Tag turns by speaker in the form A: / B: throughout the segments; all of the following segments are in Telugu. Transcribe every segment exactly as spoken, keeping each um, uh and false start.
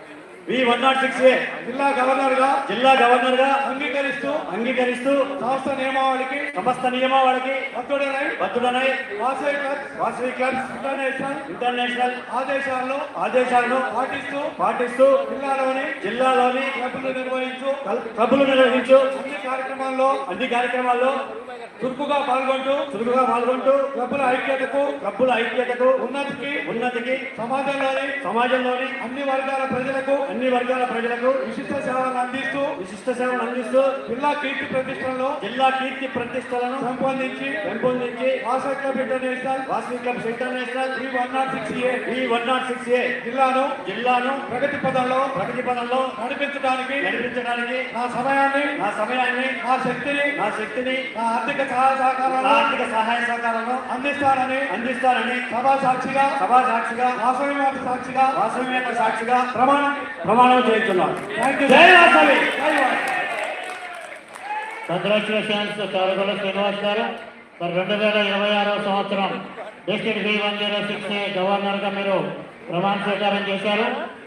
A: We one nought six A
B: జిల్లా గవర్నర్ గా
A: జిల్లా గవర్నర్ గా
B: అంగీకరిస్తూ
A: అంగీకరిస్తూ
B: సంస్థ నియమావళికి
A: సమస్త నియమావళికి
B: బద్ధుడనై
A: బద్ధుడనై
B: Vasavi clubs
A: Vasavi clubs
B: international
A: international
B: ఆదేశాలను
A: ఆదేశాలను
B: పాటిస్తూ
A: పాటిస్తూ
B: జిల్లాలోని
A: జిల్లాలోని
B: క్లబ్లు నిర్వహించు
A: క్లబ్లు నిర్వహించు
B: అన్ని కార్యక్రమాల్లో
A: అన్ని కార్యక్రమాల్లో
B: చురుకుగా పాల్గొంటూ
A: చురుకుగా పాల్గొంటూ
B: క్లబ్ల ఐక్యతకు
A: క్లబ్బుల ఐక్యతకు
B: ఉన్నతికి
A: ఉన్నతికి
B: సమాజంలోని
A: సమాజంలోని
B: అన్ని వర్గాల ప్రజలకు
A: అన్ని వర్గాల ప్రజలకు
B: విశిష్ట సేవలను అందిస్తూ
A: విశిష్ట సేవలు అందిస్తూ
B: జిల్లా కీర్తి ప్రతిష్టలను
A: జిల్లా కీర్తి ప్రతిష్టలను
B: పెంపొందించి
A: పెంపొందించి
B: Vasavi club international
A: Vasavi clubs international
B: three one nought six A
A: E one nought six ఏ
B: జిల్లాను
A: జిల్లాను
B: ప్రగతి పదంలో
A: ప్రగతి పదంలో
B: నడిపించడానికి
A: నడిపించడానికి
B: నా సమయాన్ని
A: నా సమయాన్ని
B: నా శక్తిని
A: నా శక్తిని
B: నా ఆర్థిక సహాయ
A: నా
B: సహకారాలను
A: ఆర్థిక సహాయ సహకారాలను
B: అందిస్తానని
A: అందిస్తానని
B: సభా సాక్షిగా
A: సభా సాక్షిగా
B: వాసవి మాత సాక్షిగా
A: వాసవి యొక్క సాక్షిగా
B: ప్రమాణం
A: ప్రమాణం చేస్తున్నాను.
B: Thank you.
A: జై వాసవి.
B: జై వాసవి.
C: కంగ్రాచులేషన్స్ కారగొల్ల శ్రీనివాస్ గారు. మరి రెండు వేల ఇరవై ఆరవ సంవత్సరం district B one zero six governor గా మీరు ప్రమాణ స్వీకారం చేశారు.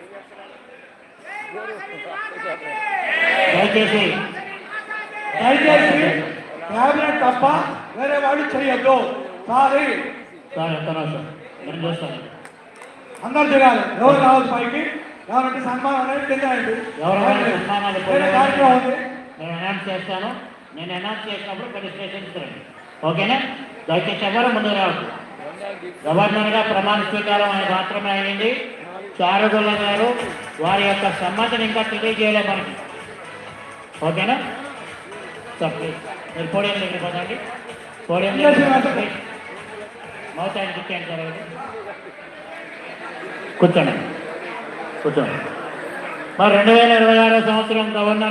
C: దయచేసి
B: దయచేసి క్యాబినెట్ తప్ప వేరే వాడు చెయ్యొద్దు. సారీ
C: సార్ ఎంత సార్ నేను చేస్తాను.
B: అందరు దిగాలి. ఎవరు రావాలి పైకి ఎవరంటే సన్మానం అనేది కింద అయింది.
C: ఎవరైనా సన్మానాలు
B: వేరే కార్యక్రమం ఉంది.
C: నేను అనౌన్స్ చేస్తాను. నేను అనౌన్స్ చేసినప్పుడు కొన్ని స్టేషన్స్ రండి. ఓకేనా? దయచేసి ఎవరు ముందు రావద్దు. గవర్నర్గా ప్రమాణ స్వీకారం ఆయన మాత్రమే అయింది. చారుగుల్ల గారు వారి యొక్క సమ్మతిని ఇంకా తెలియజేయలే మనకి. ఓకేనా సార్? ప్లీజ్ మీరు పోడియం దగ్గర పదండి. పోడియం దగ్గర మౌత్ ఆయన కూర్చోండి సార్. కూర్చోండి కూర్చోండి. మరి రెండు వేల ఇరవై ఆరో సంవత్సరం గవర్నర్